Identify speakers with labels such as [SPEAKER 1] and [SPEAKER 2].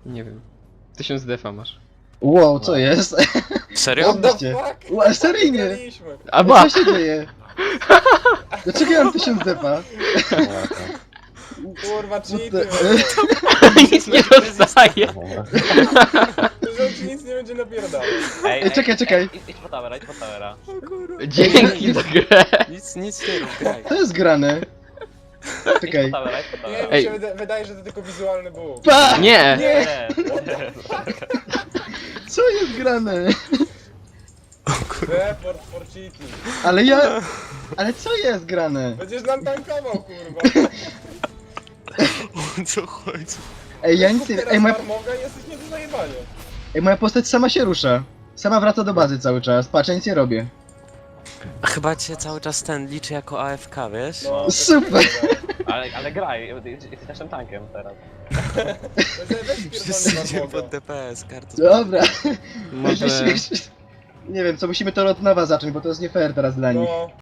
[SPEAKER 1] Nie wiem. 1000 defa masz.
[SPEAKER 2] Wow, co jest?
[SPEAKER 3] Serio?
[SPEAKER 4] What the
[SPEAKER 2] Oddajcie.
[SPEAKER 4] fuck?
[SPEAKER 2] Ła, seryjnie.
[SPEAKER 4] Wygraliśmy.
[SPEAKER 1] A ba!
[SPEAKER 2] Co się dzieje? Dlaczego ja mam 1000 depa?
[SPEAKER 4] Kurwa,
[SPEAKER 2] Co
[SPEAKER 4] cheaty.
[SPEAKER 2] ty-
[SPEAKER 1] Nic nie dostaje.
[SPEAKER 4] Że ci nic nie będzie napierdalał.
[SPEAKER 2] Ej, czekaj.
[SPEAKER 5] Idź po towera, idź po towera.
[SPEAKER 1] Dzięki za grę.
[SPEAKER 3] Nic nie rób, graj.
[SPEAKER 2] To jest grane. Czekaj.
[SPEAKER 5] Idź po towera, idź po
[SPEAKER 4] Nie,
[SPEAKER 5] towera.
[SPEAKER 4] mi się wydaje, że to tylko wizualny bóg.
[SPEAKER 2] Pa!
[SPEAKER 1] Nie!
[SPEAKER 5] Nie,
[SPEAKER 2] Co jest grane?
[SPEAKER 4] Report for cheating.
[SPEAKER 2] Ale ja... Ale co jest grane?
[SPEAKER 4] Będziesz nam tankował, kurwa.
[SPEAKER 3] O co chodzi?
[SPEAKER 2] Ej, ja nic nie...
[SPEAKER 4] Teraz
[SPEAKER 2] Ej,
[SPEAKER 4] farmoga i jesteś nie do zajebania.
[SPEAKER 2] moja postać sama się rusza. Sama wraca do bazy cały czas. Patrz, ja nic nie robię.
[SPEAKER 3] A chyba cię cały czas ten liczy jako AFK, wiesz?
[SPEAKER 4] No,
[SPEAKER 2] Super.
[SPEAKER 5] ale graj, jesteś naszym tankiem teraz.
[SPEAKER 3] Wszyscy
[SPEAKER 4] Weź
[SPEAKER 3] idziemy
[SPEAKER 4] farmoga.
[SPEAKER 3] pod DPS, kartę.
[SPEAKER 2] Dobra.
[SPEAKER 1] Może...
[SPEAKER 2] Nie wiem, co musimy to od nowa zacząć, bo to jest nie fair teraz dla nich.
[SPEAKER 4] No.